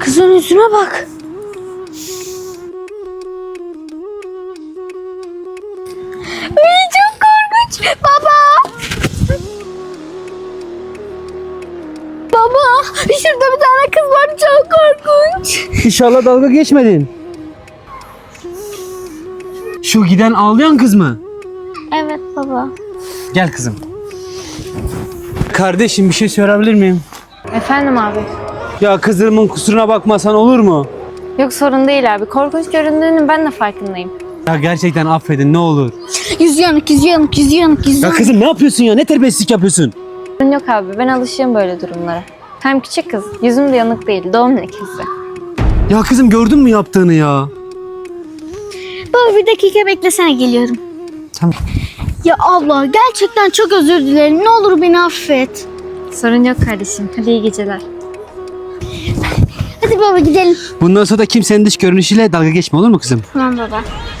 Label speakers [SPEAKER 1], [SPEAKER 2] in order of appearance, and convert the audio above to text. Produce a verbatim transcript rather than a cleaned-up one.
[SPEAKER 1] Kızın yüzüne bak. Ay çok korkunç. Baba. Baba, şurada bir tane kız var, çok korkunç.
[SPEAKER 2] İnşallah dalga geçmedin. Şu giden ağlayan kız mı?
[SPEAKER 1] Evet baba.
[SPEAKER 2] Gel kızım. Kardeşim bir şey sorabilir miyim?
[SPEAKER 1] Efendim abi.
[SPEAKER 2] Ya kızımın kusuruna bakmasan olur mu?
[SPEAKER 1] Yok sorun değil abi. Korkunç göründüğünün ben de farkındayım.
[SPEAKER 2] Ya gerçekten affedin ne olur.
[SPEAKER 1] Yüzü yanık, yüzü yanık, yüzü yanık, yüzü
[SPEAKER 2] Ya
[SPEAKER 1] yanık.
[SPEAKER 2] kızım ne yapıyorsun ya? Ne terbiyesizlik yapıyorsun?
[SPEAKER 1] Sorun yok abi. Ben alışığım böyle durumlara. Hem küçük kız. Yüzüm de yanık değil. Doğum lekesi.
[SPEAKER 2] Ya kızım gördün mü yaptığını ya?
[SPEAKER 1] Baba bir dakika beklesene, geliyorum.
[SPEAKER 2] Tamam.
[SPEAKER 1] Ya abla gerçekten çok özür dilerim. Ne olur beni affet. Sorun yok kardeşim. Hadi iyi geceler. Hadi baba gidelim.
[SPEAKER 2] Bundan sonra da kimsenin dış görünüşüyle dalga geçme olur mu kızım?
[SPEAKER 1] Tamam baba.